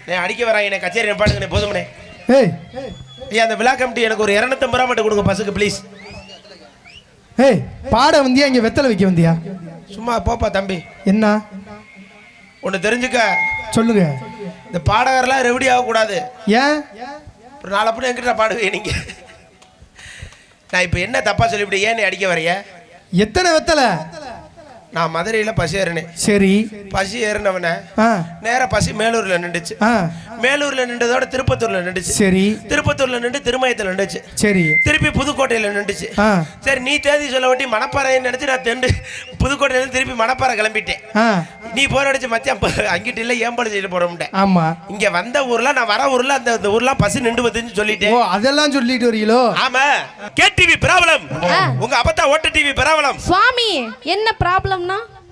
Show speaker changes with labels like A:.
A: அடிக்க வராங்க கச்சேரி பாட்டுங்க போதுமனே.
B: ஏய்
A: ஐயா அந்த விழா கமிட்டி எனக்கு ஒரு 250 ரூபா மட்டும் கொடுங்க பஸ்ஸுக்கு ப்ளீஸ்.
B: ஏய் பாட வந்தியா இங்க வெத்தலை வைக்க வந்தியா?
A: சும்மா போப்பா தம்பி.
B: என்ன
A: ஒன்று தெரிஞ்சுக்க.
B: சொல்லுங்க.
A: இந்த பாடகர்லாம் ரெவடி ஆகக்கூடாது.
B: ஏன்?
A: ஒரு 4 அப்படி என்கிட்ட பாடுவேன் நீங்க. நான் இப்போ என்ன தப்பா சொல்லிவிட்டு ஏன் அடிக்க வரைய?
B: எத்தனை வெத்தலை?
A: நான் மதுரையில் பசி ஏறினேன்.
B: சரி.
A: பசி ஏறினவன நேராக பசி மேலூரில் நின்றுச்சு. மேலூரில் நின்றதோட திருப்பத்தூரில் நின்றுச்சு.
B: சரி.
A: திருப்பத்தூரில் நின்று திருமயத்தில் நின்றுச்சு.
B: சரி.
A: திருப்பி புதுக்கோட்டையில் நின்றுச்சு. சரி நீ தேதி சொல்ல வட்டி மணப்பாறைன்னு நினச்சி நான் புதுக்கோட்டையிலேருந்து திருப்பி மணப்பாறை கிளம்பிட்டேன். நீ போர் அடிச்சு மத்தியம் அங்கிட்டு இல்லை ஏம்பாடு செய்து போறோம்ட்டேன்.
B: ஆமா.
A: இங்க வந்த ஊர்ல நான் வர ஊர்ல அந்த ஊர்லாம் பசி நின்று வந்துன்னு சொல்லிட்டேன்.
B: அதெல்லாம் சொல்லிட்டு வரீங்களோ?
A: ஆமா. KTV problem. உங்க அப்பத்தா ஓட்ட டிவி ப்ராப்ளம்.
C: சுவாமி என்ன ப்ராப்ளம்னா?